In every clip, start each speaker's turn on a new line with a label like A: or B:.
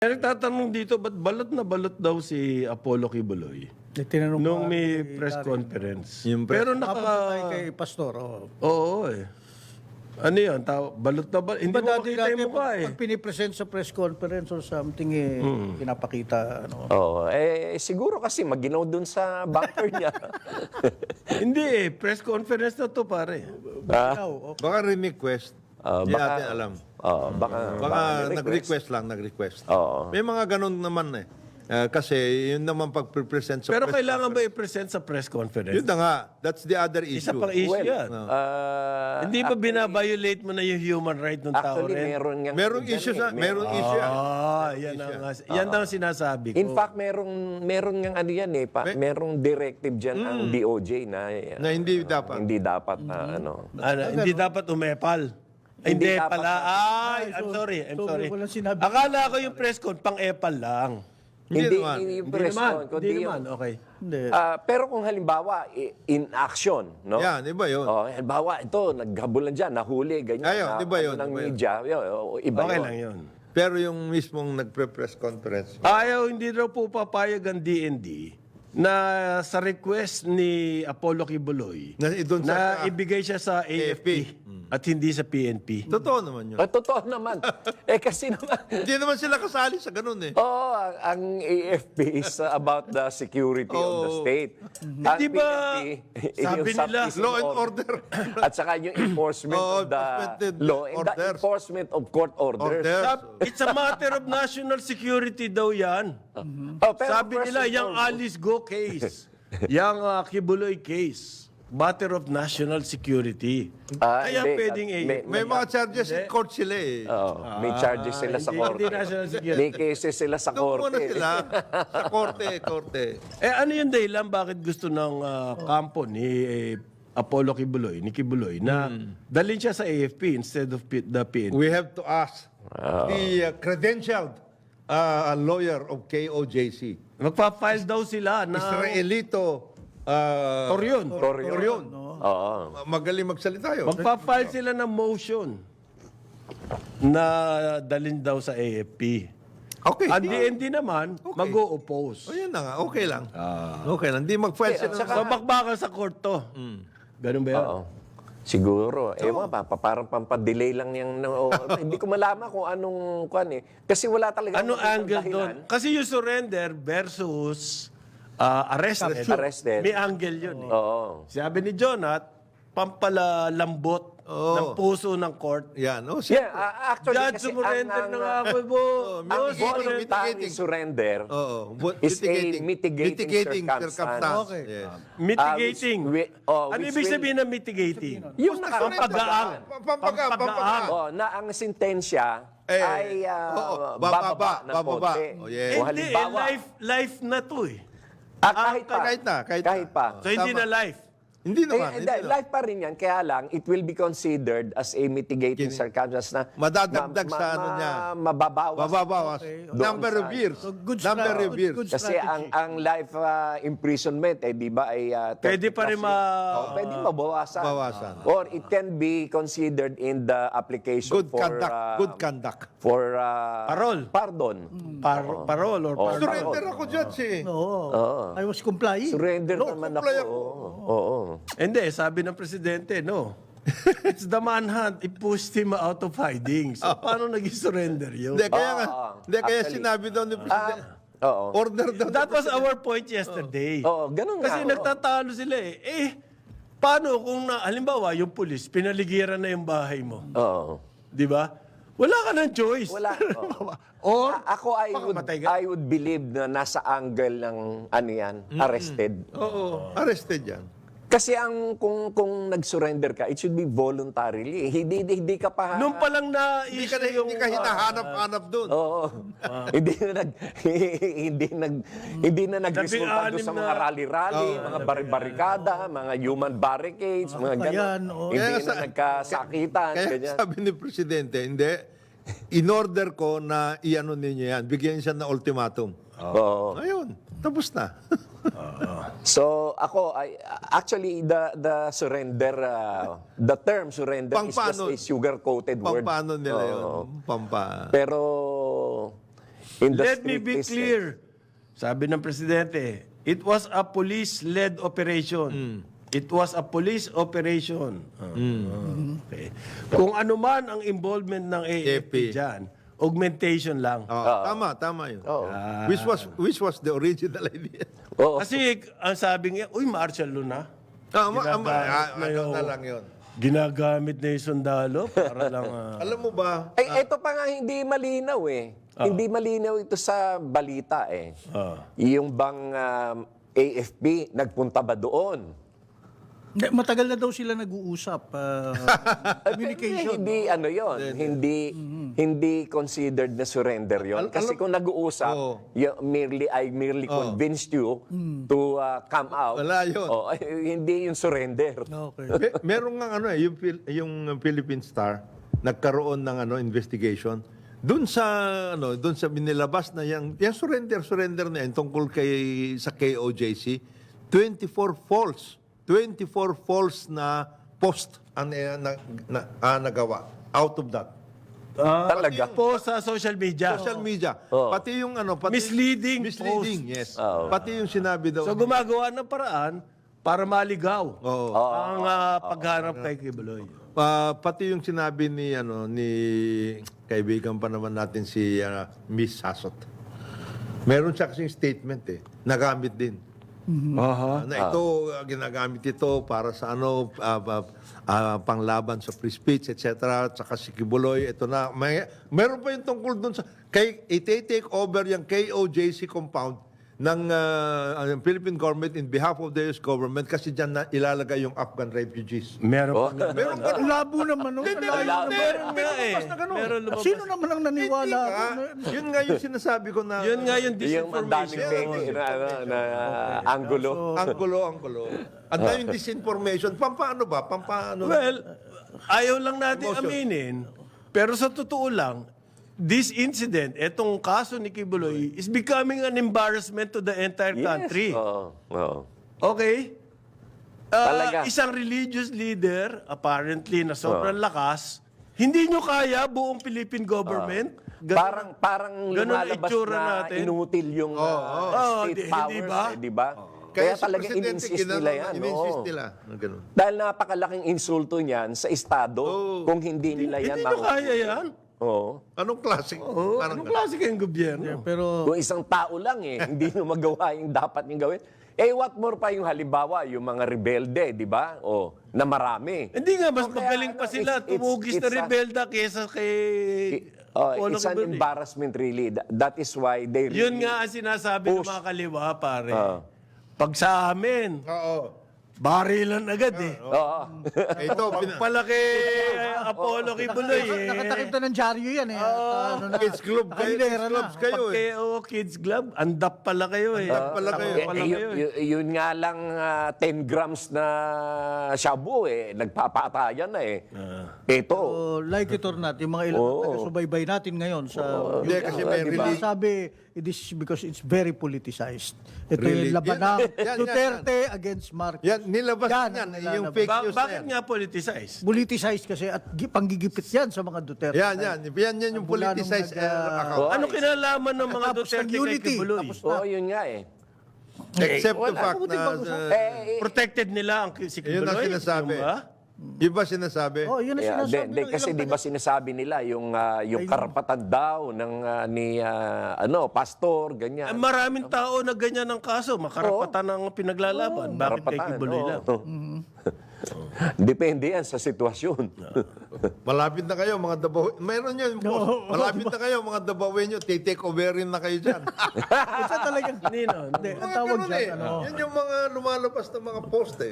A: Kaya nagtatanong dito, ba't balot na balot daw si Apollo Kibuloy
B: Tinanong
A: nung
B: pa
A: may
B: kay
A: press
B: Larry.
A: conference?
C: Yung press-
A: Pero
B: Napunta
A: naka...
B: tayo kay Pastor.
A: Oo eh. Ano yun? Balot na balot. Hindi
B: Diba
A: mo makita yung mukha eh.
B: pag pinipresent sa press conference or something, pinapakita,
D: Oo. Siguro kasi maginaw dun sa bunker niya.
A: Hindi eh. Press conference na to pare.
B: Ikaw,
C: Baka request. Hindi natin alam. Baka nag-request lang, nag-request.
D: Oo.
C: May mga ganun naman eh. Kasi yun naman pag-present sa
A: Pero
C: press.
A: kailangan ba i-present sa press conference?
C: Yun na nga. That's the other
A: Isa
C: issue.
A: pang issue
D: Well,
A: yan. Hindi ba binabiolate mo na yung human right ng tao
D: Actually,
A: rin?
C: Merong issue sa, merong issue yan.
A: Yan ang sinasabi ko.
D: In fact, merong ng ano yan eh. Merong directive dyan ang DOJ na
C: Na hindi dapat.
D: hindi dapat na ano.
A: Hindi dapat umepal. Ay,
D: Hindi
A: hindi
D: dapat.
A: pala. Ay, I'm sorry.
B: walang sinabi.
A: Akala ko yung press con, pang-epal lang.
C: Hindi naman.
D: Hindi yung
A: Hindi
D: press
A: naman.
D: con, kundi
A: Hindi
D: yung-
A: naman. Okay.
B: hindi.
D: Pero kung halimbawa, in action, no?
C: Yan, iba yun.
D: Halimbawa, ito, naghabulan dyan, nahuli, ganyan.
C: Ayun, di ba yun?
D: Ng
C: Di ba yun?
D: media, iba
A: Okay
D: yun.
A: lang yun.
C: Pero yung mismong nagpre-press conference.
A: Ayaw, hindi daw po papayag ang DND na sa request ni Apollo Kibuloy
C: Na doon sa-
A: na ibigay siya sa AFP at hindi sa PNP.
C: Totoo naman yun.
D: Totoo naman. Kasi naman,
C: Hindi naman sila kasali sa ganun eh.
D: ang AFP is about the security of the state. Ang
A: Di ba,
D: PNP,
A: sabi
D: yung
A: nila,
D: sub-peace
C: Law and order.
D: At saka yung enforcement
C: Oo,
D: of the
C: enforcement
D: law and the
C: orders.
D: enforcement of court orders.
A: It's a matter of national security daw yan.
D: Pero
A: Sabi
D: first
A: nila,
D: and
A: yung
D: foremost,
A: Alice Go case, yung Kibuloy case, matter of national security. Kaya
D: hindi.
A: pwedeng
C: May mga charges in court sila eh.
D: May charges sila sa
A: hindi
D: korte.
A: national security.
D: May cases sila sa
C: Doon muna
D: korte.
C: sila. Sa korte.
A: Ano yung dahilan bakit gusto ng kampo ni Apollo Kibuloy, ni Kibuloy, na dalhin siya sa AFP instead of the PNP?
C: We have to ask the credentialed lawyer of KOJC.
A: Magpa-file daw sila na
C: Israelito.
A: Toryon.
C: Toryon.
D: Oo.
C: Magaling magsalita yun.
A: Magpa-file sila ng motion na dalhin daw sa AFP.
C: Okay.
A: Ang DND naman, mag-o-oppose.
C: O yun na nga. Okay lang. Okay lang. Hindi mag-file sila.
A: So, bakbakan sa court to. Ganun ba yan?
D: Oo. Siguro. Ewan pa, parang pampadelay lang yung... hindi ko malaman kung anong kwan eh. Kasi wala talaga...
A: Ano
D: makitang
A: angle
D: dahilan.
A: doon? Kasi yung surrender versus arrested.
D: Arrested.
A: May angle yun eh.
D: Oo.
A: Sabi ni Jonat, pampalalambot ng puso ng court.
C: Yan. O,
D: Yeah, actually,
A: Judge,
D: kasi
A: surrender na nga ako po.
D: ang
A: Boss,
D: voluntary surrender
C: Oo.
D: is a mitigating circumstance.
C: Okay. Yes.
A: Mitigating. Ano
D: which
A: ibig
D: will-
A: sabihin ng mitigating?
D: Yung
A: Pampagaang.
C: Pampagaang.
D: na ang sentensya ay
C: bababa
D: ng
C: bababa.
D: konti.
C: Oh, yes.
D: O
A: Hindi,
D: halimbawa,
A: life na to eh.
D: kahit pa.
C: Kahit
D: pa.
A: So hindi na life.
C: Hindi naman. Hindi naman.
D: Life pa rin yan, kaya lang, it will be considered as a mitigating circumstance na
C: Madadagdag sa ano niya.
D: mababawas.
C: Babawas. Number of years. Number of years.
B: good
D: Kasi
B: strategy.
D: ang life imprisonment, di ba, ay... 30
A: Pwede pa rin
D: pwede mabawasan.
C: Bawasan.
D: Or it can be considered in the application
C: Good
D: for...
C: conduct. Good conduct.
D: For...
A: Parol.
D: Pardon.
A: Parole or pardon.
C: Surrender ako, Judge eh.
B: Oo. I was complying.
D: Surrender naman
C: comply
D: ako.
C: ako.
D: Oo.
A: Hindi, sabi ng presidente, no. It's the manhunt. It pushed him out of hiding. So, paano naging surrender yun?
C: Hindi, kaya nga. Hindi, kaya
D: Actually.
C: sinabi daw ni President.
D: Oo.
C: Order daw.
A: That was our point yesterday.
D: Oo, ganun nga.
A: Kasi nagtatalo sila eh. Paano kung halimbawa, yung pulis, pinaligiran na yung bahay mo.
D: Oo.
A: Di ba? Wala ka ng choice.
D: Wala. Oo.
A: Or,
D: Ako,
A: Patay ka?
D: I would believe na nasa angle ng ano yan, arrested.
C: Oo. Arrested yan.
D: Kasi kung nag-surrender ka, it should be voluntarily. Hindi ka pa...
A: nung palang
C: Hindi ka, hindi ka hinahanap-hanap doon.
D: Oo. Hindi na nagresulta doon sa
A: Labing-anim
D: mga
A: na-
D: rally-rally, mga barikada, mga human barricades, mga
B: Ayan,
D: gano'n.
B: oo.
D: Hindi
C: Kaya
D: na
C: sa-
D: nagkasakitan,
C: Kaya
D: ganyan.
C: sabi ni Presidente, hindi, in-order ko na i-ano ninyo yan, bigyan siya ng ultimatum.
D: Oo.
C: Ayun, tapos na.
D: So ako actually the surrender the term surrender is just
C: Pampano-
D: a sugar coated word.
C: Pampano nila yun?
D: Oo.
C: Pampa.
D: Pero In the
A: Let me be
D: strictest
A: clear. Sabi ng Presidente, it was a police-led operation. It was a police operation. Okay. Kung ano man ang involvement ng AFP
C: AFP.
A: dyan, augmentation lang.
C: Tama yun. Which was the original idea.
D: Oo.
A: Kasi ang sabi niya, uy, martial law na.
C: Ano na lang yun.
A: Ginagamit na yung sundalo para lang...
C: Alam mo ba,
D: Ay, ito pa nga hindi malinaw eh. Hindi malinaw ito sa balita eh. Yung bang AFP nagpunta ba doon?
B: Hindi, matagal na daw sila nag-uusap. Communication.
D: Hindi ano yon, hindi considered na surrender yon. Kasi kung nag-uusap, I merely convinced you to come out.
C: Wala yun.
D: Hindi yung surrender.
B: Okay.
C: meron nga yung Philippine Star nagkaroon ng investigation doon sa binilabas na yung surrender na yan tungkol sa KOJC, 24 false na post ang nagawa out of that.
D: Talaga?
A: Po sa social media.
C: Social media. Pati yung
A: Misleading
C: yes. Pati yung sinabi daw.
A: So gumagawa ng paraan para maligaw
C: Oo.
A: ang pagharap kay Kibuloy.
C: Pati yung sinabi ni kaibigan pa naman natin si Miss Sasot. Meron siya kasing statement nagamit din. Na ito ginagamit ito para sa panglaban sa free speech etc. Saka si Kibuloy ito na meron pa yung tungkol doon sa i-take over yung KOJC compound ng Philippine government in behalf of the US government kasi diyan na ilalagay yung Afghan refugees.
A: Meron pa.
C: Meron
B: Ang labo naman. No?
A: Meron nga eh. Meron lumabas.
B: Sino naman ang naniwala?
C: Yun nga yung sinasabi ko na
A: Yun nga yung
D: Yung mandaming
A: disinformation.
D: fake na angulo.
C: Anggulo. Ang daming disinformation. Pampaano ba?
A: Well, ayaw lang natin aminin. Pero sa totoo lang, this incident, etong kaso ni Kibuloy, is becoming an embarrassment to the entire country.
D: Oo.
A: Okay?
D: Talaga.
A: Isang religious leader, apparently na sobrang lakas, hindi nyo kaya buong Philippine government?
D: Parang
A: ganun ang
D: lumalabas
A: itsura
D: na
A: natin.
D: inutil yung state
A: hindi
D: powers,
A: ba?
D: Di ba?
C: Kaya
D: Kaya talaga in-insist nila yan.
C: In-insist nila. Ganun.
D: Dahil napakalaking insulto niyan sa Estado kung hindi nila yan
A: Hindi nyo kaya yan?
D: Oo.
C: Anong klase?
A: Anong klase kayong gobyerno?
B: Pero
D: Kung isang tao lang hindi nyo magawa yung dapat nyo gawin. What more pa yung halimbawa, yung mga rebelde, di ba? Na marami.
A: Hindi nga, mas
D: O kaya,
A: magaling pa sila tumugis na rebelda kaysa kay Polo
D: it's an
A: Kibuloy.
D: embarrassment really. That is why they
A: Yun nga ang sinasabi ng mga kaliwa, pare. Pag sa amin,
C: Oo.
A: barilan agad eh.
D: Oo.
C: Ito,
A: Palaki Apollo Kibuloy eh.
B: nakatakip na ng dyaryo yan eh. At,
C: Kids Club kayo.
B: Nakahilera
C: Kids Clubs kayo
A: Pag kayo Kids Club, andap pala kayo eh.
C: Andap pala kayo.
A: Pala kayo eh.
D: Yun nga lang 10 grams na shabu nagpapatayan na Ito.
B: So, like it or not, yung mga ilang taga-subaybay natin ngayon sa
C: Hindi, kasi may
B: diba?
C: release.
B: Sabi, this is because it's very politicized. Ito
C: Really?
B: yung laban ng
C: Yan.
B: Duterte against Marcos.
C: Yan, nilabas
B: Yan,
C: yan.
B: ang
C: Yung
B: nilalabas.
C: fake news na
A: Bakit
C: yan.
A: nga politicized?
B: Politicized kasi at panggigipit yan sa mga Duterte.
C: Yan yung
B: Mula nung
C: politicized
B: nag-
C: account.
A: Ano kinalaman ng mga
B: Tapos
A: Duterte
B: ng
A: kay
B: unity.
A: Kibuloy?
B: Tapos
D: Oo, yun nga
C: Except the
D: wala.
C: fact na...
A: Protected nila ang si
C: Yun ang
A: Kibuloy?
C: sinasabi.
A: Yung ba?
C: Yung ba sinasabi?
B: Oh, yun ang sinasabi ng
D: kasi
B: ilang
D: di ba sinasabi nila yung karapatan daw ng ni pastor ganyan.
A: Maraming tao na ganyan ang kaso. Makarapatan ang pinaglalaban. Bakit kay
D: Karapatan,
A: Kibuloy lang?
D: Depende yan sa sitwasyon.
C: Malapit na kayo, mga Dabaw. Mayroon yun, boss. Malapit na kayo, mga Dabawin nyo. Take over rin na kayo dyan.
B: Isa talagang,
A: Nino?
B: hindi, ang
C: Mga
B: tawag
C: ganun
B: dyan,
C: Yan yung mga lumalabas na mga post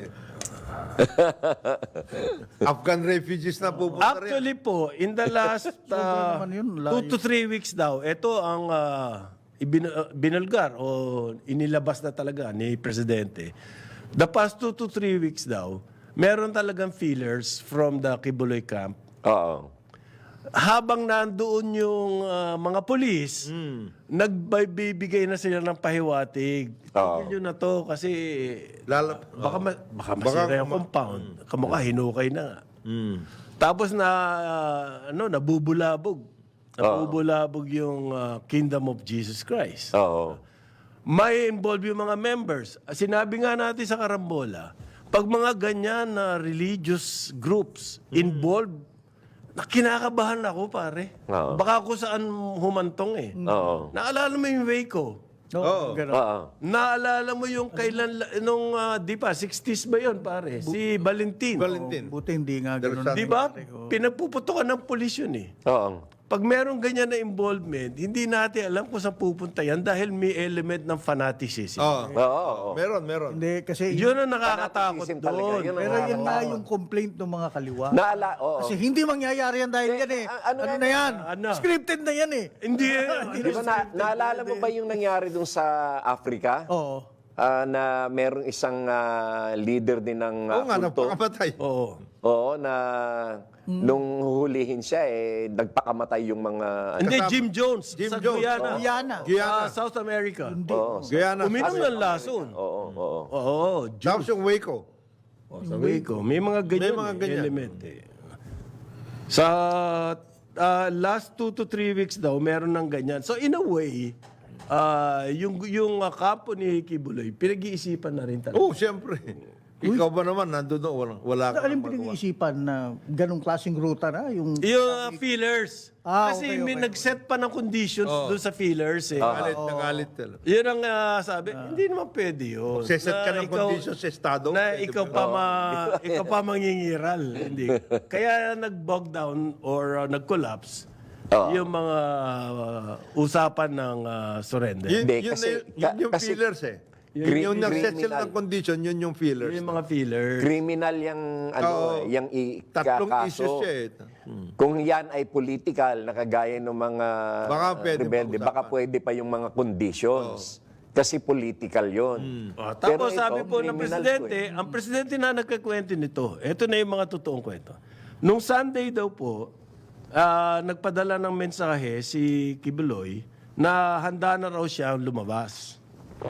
C: Afghan refugees na pupunta rin.
A: Actually po, in the last
B: naman yun, layo.
A: 2 to 3 weeks daw, ito ang binulgar o inilabas na talaga ni Presidente. The past 2 to 3 weeks daw, meron talagang feelers from the Kibuloy camp.
D: Oo.
A: Habang nandoon yung mga polis, nagbibigay na sila ng pahiwatig. Tigil nyo na to kasi baka masira yung compound. Kamukha hinukay na nga. Tapos nabubulabog Nabubulabog yung Kingdom of Jesus Christ.
D: Oo.
A: May involve yung mga members. Sinabi nga natin sa Karambola, pag mga ganyan na religious groups involved, kinakabahan ako, pare.
D: Oo.
A: Baka kung saan humantong eh.
D: Oo.
A: Naalala mo yung Waco?
B: Oo, ganun.
D: Oo.
A: Naalala mo yung kailan, nung, di ba, 60s ba yun, pare? Si Valentin.
C: Valentin.
B: Buti hindi nga ganun.
C: There's
A: Di ba? Pinagpuputukan ng pulis yun eh.
D: Oo.
A: Pag merong ganyan na involvement, hindi natin alam kung saan pupunta yan dahil may element ng fanaticism.
C: Oo.
D: Oo.
C: Meron.
B: Hindi, kasi
A: Yun ang nakakatakot
D: Fanaticism talaga.
A: doon.
D: Yun ang
B: pero yun nga
D: nakakatakot.
B: yung complaint ng mga kaliwa.
D: Oo.
B: Kasi hindi mangyayari yan dahil yan eh.
D: ano
B: Ano
D: yan?
B: na yan?
A: Ano?
B: Scripted na yan eh.
A: Hindi.
D: Di ba naalala mo ba yung nangyari dun sa Africa?
B: Oo.
D: Na merong isang leader din ng
C: Oo nga,
D: kulto.
C: napakamatay.
A: Oo.
D: Oo, na nung hulihin siya, nagpakamatay yung mga...
A: Hindi, Jim Jones.
C: Jim
A: sa
C: Jones.
A: Guyana.
B: Guyana.
C: Guyana.
A: South America.
C: Guyana.
A: Uminom ng lason.
D: Oo.
A: Oo.
C: Tapos yung Waco.
A: Sa Waco. May mga ganyan,
C: May mga ganyan.
A: element eh. Sa last 2 to 3 weeks daw, meron ng ganyan. So in a way, yung kampo ni Kibuloy, pinag-iisipan na rin talaga.
C: Oo, siyempre. Ikaw ba naman, nandun doon, wala ka
B: Alin
C: nang magawa.
B: pinag-iisipan na ganong klaseng ruta na? Yung
A: Yung feelers. Kasi
B: okay,
A: may nag-set pa ng conditions doon sa feelers eh.
C: Nagalit talaga.
A: Yun ang sabi, hindi naman pwede yun.
C: Seset ka
A: Na
C: ng
A: ikaw-
C: conditions sa Estado.
A: Na
C: pwede
A: ikaw
C: ba?
A: pa ikaw pa mangingiral, hindi. Kaya nag-bog down or nag-collapse yung mga usapan ng surrender.
C: Yun,
D: Hindi,
C: yun,
D: kasi-
C: yun yung
D: kasi-
C: feelers eh.
D: Yung
C: Yung nag-set sila
D: criminal.
C: ng condition, yun yung feelers.
A: Yung mga feelers.
D: Criminal yung
C: Oo.
D: yung
C: Tatlong
D: kaso.
C: issues siya eh.
D: Kung yan ay political, nakagaya ng mga
C: Baka pwede
D: rebelde,
C: pag-usapan.
D: baka pwede pa yung mga conditions. Kasi political yon.
A: Tapos sabi po ng presidente, ang presidente na nagkakwento nito, ito na yung mga totoong kwento. Nung Sunday daw po, nagpadala ng mensahe si Kibuloy na handa na raw siya lumabas.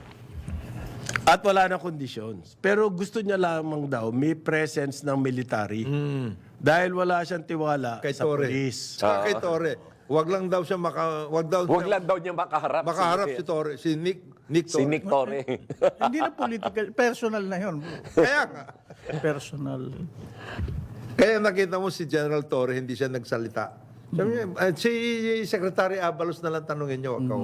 A: At wala na conditions. Pero gusto niya lamang daw may presence ng military. Dahil wala siyang tiwala
C: Kay
A: sa
C: Torre.
A: police.
C: Kay Torre. Wag lang daw siya
D: Wag lang daw niya makaharap.
C: makaharap si Torre, si Nick
D: Si
C: Torre.
D: Nick Torre.
B: hindi na political, personal na yun.
C: Kaya nga.
B: Personal.
C: Kaya nakita mo si General Torre, hindi siya nagsalita. Sabi niya, si Secretary Abalos na lang tanungin niyo. Wag ako.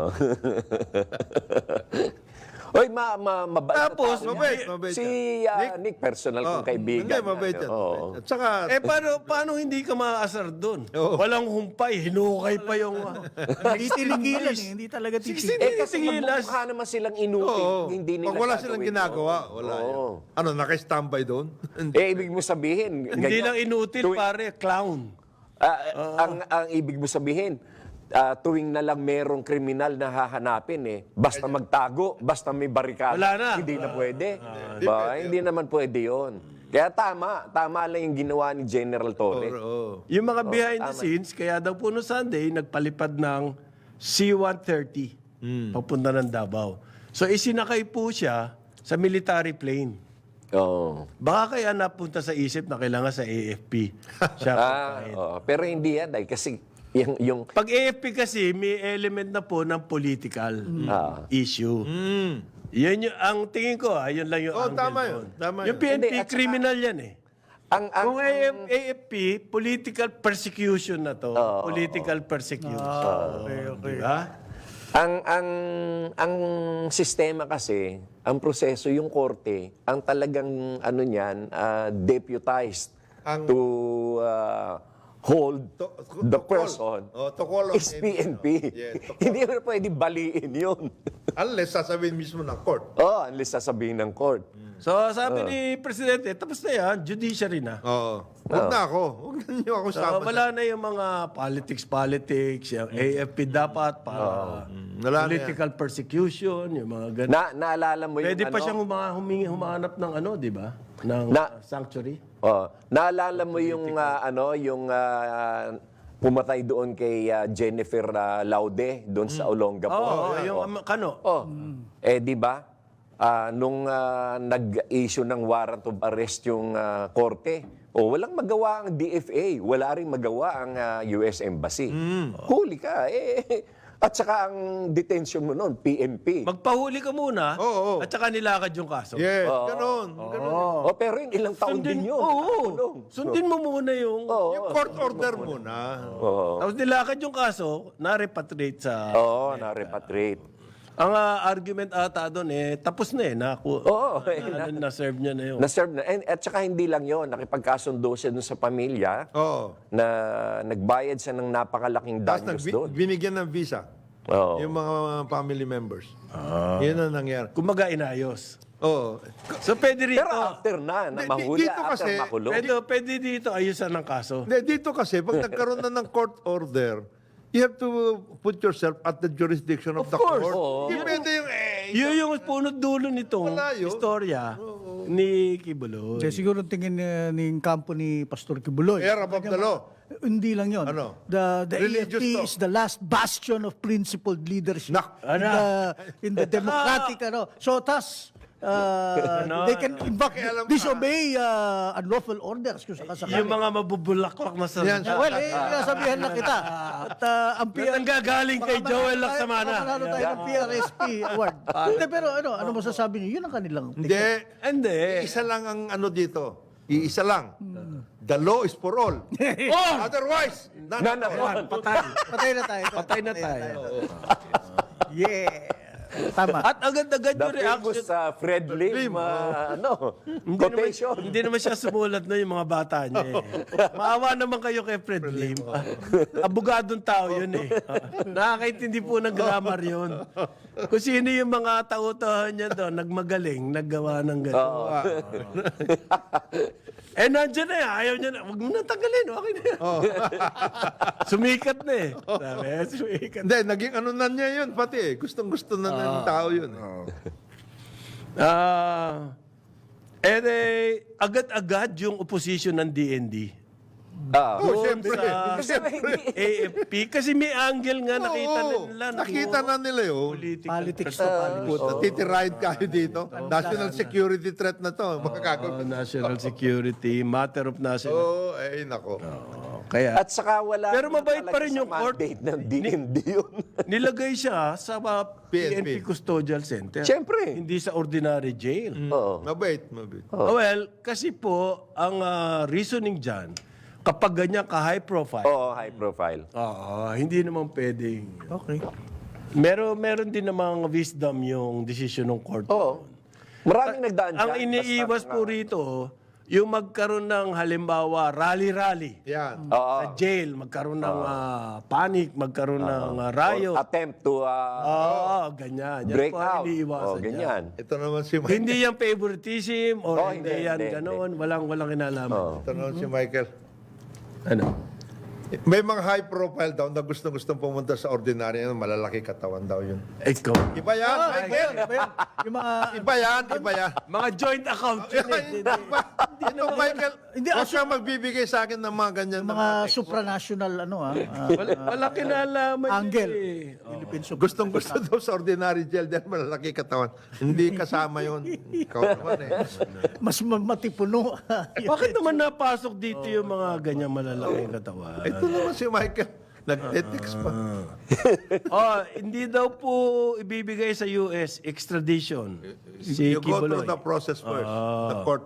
D: Oy, mabait. na
A: Tapos,
D: tao yan.
C: Mabait
D: Si
C: yan.
D: Nick, personal kong kaibigan.
C: Hindi, mabait yan.
D: Oo.
C: At saka,
A: paano hindi ka maaasar doon?
C: Oo.
A: Walang humpay, hinukay pa yung...
B: Hindi tinigilan eh. Hindi talaga titigilan.
D: Kasi
A: Tigilas.
D: magmumukha naman silang inutil.
C: oo.
D: Hindi nila
C: Pag wala silang
D: gagawin
C: ginagawa,
D: yun.
C: wala
D: Oo.
C: yan. Ano, naka-standby doon?
D: Ibig mo sabihin,
A: Hindi
D: ganyan.
A: lang inutil, pare, clown.
D: Ang ibig mo sabihin, tuwing na lang merong kriminal na hahanapin basta magtago, basta may barikada,
A: Wala na.
D: hindi na pwede. Hindi naman pwede yon. Kaya tama lang yung ginawa ni General Torre.
C: Oo.
A: Yung mga behind the scenes, kaya daw po no Sunday, nagpalipad ng C-130 papunta ng Davao. So isinakay po siya sa military plane.
D: Oo.
A: Baka kaya napunta sa isip na kailangan sa AFP. Siya pagkain.
D: Oo. Pero hindi yan dahil kasi yung
A: Pag AFP kasi, may element na po ng political issue. Yan yung, ang tingin ko, yun lang yung angle
C: tama
A: doon.
C: yun. Tama
A: Yung
C: yun.
A: PNP,
D: Hindi, at saka-
A: criminal yan eh.
D: ang
A: Kung AFP, political persecution na to. Political persecution.
B: Okay.
A: Diba?
D: ang sistema kasi, ang proseso yung korte, ang talagang ano niyan, deputized to hold the person
C: to call on
D: is
C: him.
D: PNP.
C: Yes, to call.
D: Hindi mo pwede baliin yun.
C: Unless sasabihin mismo ng court.
D: Unless sasabihin ng court.
A: So sabi ni Presidente, tapos na yan, judiciary na.
C: Oo. Huwag na ako. Huwag na niyo ako
A: So,
C: sama.
A: wala na yung mga politics, yung AFP dapat para
C: Wala na
A: political persecution, yung mga ganun.
D: Naalala mo yung
A: Pwede pa
D: ano?
A: siyang humanap ng ano, di ba? Ng sanctuary.
D: Naalala mo yung pumatay doon kay Jennifer Laude doon sa Olongapo.
A: Oo, yung kano.
D: Di ba? nag-issue ng warrant of arrest yung korte, walang magawa ang DFA, wala ring magawa ang US Embassy. Huli ka, at saka ang detention mo noon, PNP.
A: Magpahuli ka muna,
C: Oo.
A: at saka nilakad yung kaso.
C: Yes, ganun.
D: Pero yun, ilang taon din yun.
A: Oo. Sundin mo muna yung...
C: Yung court order muna.
A: Tapos nilakad yung kaso, na-repatriate sa...
D: Oo, na-repatriate.
A: Ang argument ata doon tapos na na-serve niya na yun.
D: Na-serve na. At saka hindi lang yon, nakipagkasundo siya dun sa pamilya
C: Oo.
D: na nagbayad siya ng napakalaking
C: Tapos
D: danyos doon.
C: binigyan ng visa.
D: Oo.
C: Yung mga family members. Yun ang nangyari.
A: Kumaga inayos.
C: Oo.
A: So pwede rito,
D: Pero after na mahuli,
C: dito
D: after
C: kasi,
D: makulong.
A: pwede dito ayusan ng kaso.
C: Dito kasi, pag nagkaroon na ng court order, you have to put yourself at the jurisdiction of the
A: course.
C: court.
D: Oo.
C: Hindi pwede yung,
A: Yun yung punot dulo nitong
C: Wala yun.
A: istorya ni Kibuloy.
B: Kaya siguro tingin ng kampo ni Pastor Kibuloy.
C: air above the law.
B: Hindi lang yon.
C: Ano?
B: The
C: Religious
B: AFP
C: law.
B: is the last bastion of principled leadership
C: Nak.
B: in the democratic So they can in fact disobey unlawful orders kung sakasakali.
A: Yung mga mabubulaklak na
C: Yan,
A: salita.
B: Well, sabihan na kita. At ang
A: Ang gagaling kay Joel Lacsamana.
B: Manalo tayo ng PRSP award. Hindi, pero ano masasabi niyo? Yun ang kanilang
C: Hindi. Isa lang ang ano dito. Iisa lang. The law is for all. Otherwise, none at all.
B: Patay na tayo.
A: Patay na tayo.
B: Yeah. Tama.
A: At agad-agad
D: The
A: yung reaction.
D: famous Fred Lim, quotation.
A: Hindi naman siya sumulat na yung mga bata niya. Maawa naman kayo kay Fred Lim. Abogadong tao yun Nakakaintindi po ng grammar yun. Kung sino yung mga tautohan niya doon, nagmagaling, naggawa ng gano'n. Nandiyan na ayaw niya na. Huwag mo na tanggalin, okay na yan. Sumikat na Sabi, sumikat.
C: Hindi, naging ano na niya yun pati Gustong-gusto na ng tao yun.
A: Agad-agad yung opposition ng DND.
C: Siyempre.
A: AFP. Kasi may angle nga nakita nila.
C: Nakita na nila yun.
B: Politics to politics.
C: Puta, titirahin kayo dito. National security threat na to. Makakagawin.
A: National security, matter of national.
C: Nako.
A: Kaya,
D: At saka wala
A: Pero
D: naman
A: mabait pa
D: talaga
A: rin
D: sa
A: yung court.
D: mandate ng DND yun.
A: nilagay siya sa PNP
C: PNP.
A: Custodial Center.
D: Siyempre.
A: Hindi sa ordinary jail.
D: Oo.
C: Mabait.
A: Well, kasi po, ang reasoning dyan, kapag ganyan ka-high profile,
D: Oo, high profile.
A: hindi naman pwedeng.
B: Okay.
A: Meron din namang wisdom yung decision ng court.
D: Oo. Maraming nagdaan dyan.
A: Ang iniiwas po rito, yung magkaroon ng halimbawa rally-rally
C: Yan.
A: sa jail, magkaroon ng panic, magkaroon ng riot.
D: Attempt to
A: Ganyan. Yan
D: break
A: po ang
D: out.
A: iniiwasan niya.
D: Ganyan.
C: Ito naman si Michael.
A: Hindi yan favoritism or hindi yan
D: hindi.
A: ganoon. Walang kinalaman.
C: Ito naman si Michael.
A: Ano?
C: May mga high profile daw na gustong pumunta sa ordinary na malalaki katawan daw yun.
A: Ikaw.
C: Iba yan, Michael.
B: Yung mga
C: Iba yan.
A: Mga joint account yun
C: Ito, Michael,
B: Hindi,
C: huwag kang magbibigay sa akin ng mga ganyan.
B: mga supranational
A: Walang kinalaman
B: angle.
A: yun
B: Philippine
C: Gustong-gusto daw sa ordinary jail dahil malalaki katawan. Hindi kasama yun. Ikaw naman
B: Mas matipuno.
A: Bakit naman napasok dito yung mga ganyan malalaking katawan?
C: Ito naman si Michael. Nag-ethics pa.
A: Hindi daw po ibibigay sa US extradition si
C: You go
A: Kibuloy.
C: through the process first. The court.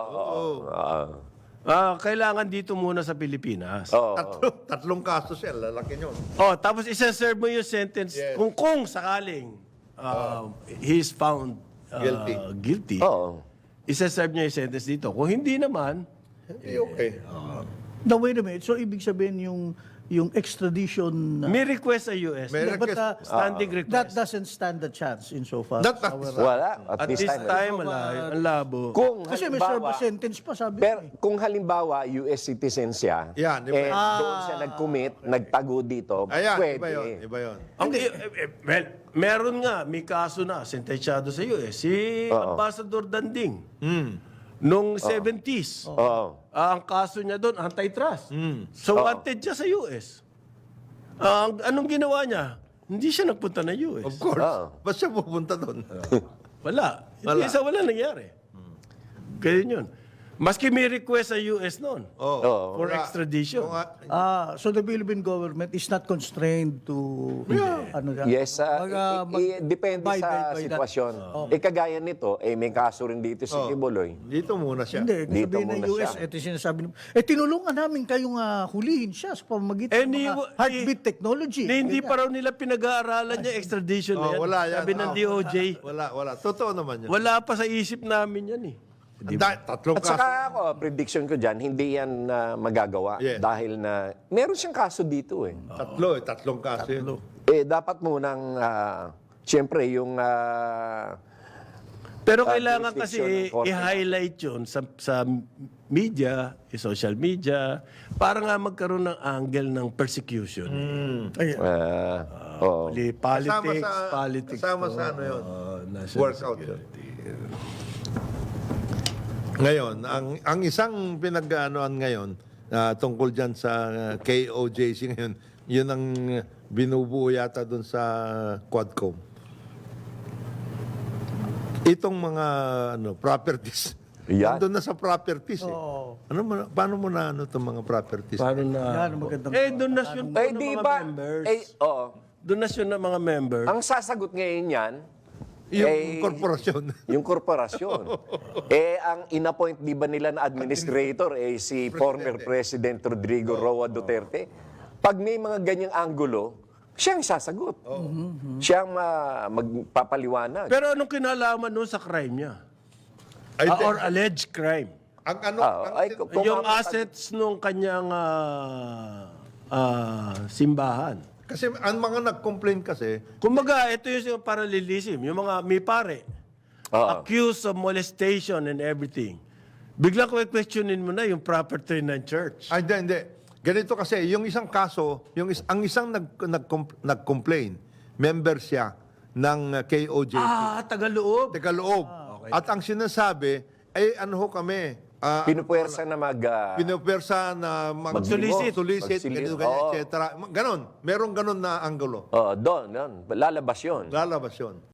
A: Kailangan dito muna sa Pilipinas.
C: Tatlong kaso siya. Lalaki nyo.
A: Tapos isa-serve mo yung sentence kung sakaling he's found guilty.
D: Oo.
A: Isa-serve niya yung sentence dito. Kung hindi naman,
C: Hindi okay.
B: Now, wait a minute. So, ibig sabihin yung extradition...
A: may request sa US.
C: May
B: but
A: Standing request.
B: that doesn't stand a chance insofar.
D: Wala.
A: At this time, wala. Ang labo.
D: Kung
B: Kasi may serve a
D: halimbawa,
B: sentence pa, sabi
D: pero
B: ko.
D: kung halimbawa US citizen siya,
C: Yan, di ba?
D: doon siya nag-commit, nagtago dito,
C: Ayan,
D: pwede.
C: iba yun. Iba yun.
A: Well, meron nga, may kaso na, sentensyado sa US. Si Ambassador Danding. Nung 70s.
D: Oo.
A: Ang kaso niya doon, antitrust. So, wanted siya sa US. Anong ginawa niya? Hindi siya nagpunta na US.
C: Of course.
D: Oo.
C: Ba't siya pupunta doon?
A: Wala.
C: Wala.
A: Wala nangyari. Kaya yun. Maski may request sa US noon
C: Oh.
A: for
C: Kaya-
A: extradition.
C: kung nga-
B: So the Philippine government is not constrained to ano yan?
D: Yes, depende
B: abide
D: sa
B: by that.
D: sitwasyon. Kagaya nito, may kaso rin dito si Kibuloy.
C: Dito muna siya.
B: Hindi,
D: Dito
B: sabihin ng
D: muna
B: US,
D: siya.
B: ito yung sinasabi nyo, tinulungan namin kayong hulihin siya sa pamamagitan ng mga heartbeat technology.
A: Na hindi pa raw nila pinag-aaralan niya extradition na yan.
C: wala yan.
A: Sabi ng DOJ.
C: Wala. Totoo naman yan.
A: Wala pa sa isip namin yan eh.
C: Tatlong
D: At
C: kaso.
D: saka ako, prediction ko dyan, hindi yan magagawa.
C: Yes.
D: Dahil na, meron siyang kaso dito eh.
C: Tatlong kaso yun.
D: Dapat munang, siyempre, yung...
A: Pero kailangan kasi
D: jurisdiction ng korte.
A: i-highlight yun sa media, social media, para nga magkaroon ng angle ng persecution.
D: oo.
A: Politics.
C: Kasama sa ano yun.
A: National
C: Workout.
A: security.
C: Ngayon, ang isang pinag-aanoan ngayon tungkol dyan sa KOJC ngayon, yun ang binubuo yata doon sa Quadcom. Itong mga properties.
D: Yan.
C: Nandun na sa properties eh. Paano mo na itong mga properties?
A: Paano na?
B: Yan, magandang
A: donasyon po ng
D: di
A: mga
D: ba?
A: members.
D: Oo.
A: Donasyon ng mga members.
D: Ang sasagot ngayon yan,
C: Yung korporasyon.
D: yung korporasyon. Ang inappoint di ba nila na administrator si former President Rodrigo Roa Duterte. Pag may mga ganyang anggulo, siyang sasagot. Siyang magpapaliwanag.
A: Pero anong kinalaman nun sa crime niya?
C: Ay,
A: Or alleged crime?
C: ang ano,
D: Kung
A: Yung assets nung kanyang simbahan.
C: kasi ang mga nag-complain kasi,
A: Kumbaga, ito yung parallelism. Yung mga may pare, accused of molestation and everything. Biglang questionin mo na yung property ng church.
C: hindi. Ganito kasi, yung isang kaso, ang isang nag-complain, member siya ng KOJC.
A: Tagaloob.
C: Tagaloob. At ang sinasabi, ano ho kami,
D: Pinupuwersa na
C: pinupersa na
A: Mag-solicit.
C: solicit,
D: Mag-solicit.
C: ganyan,
D: Oo.
C: etc. Ganon. Merong ganon na anggulo.
D: doon, lalabas yun.
C: Lalabas yun.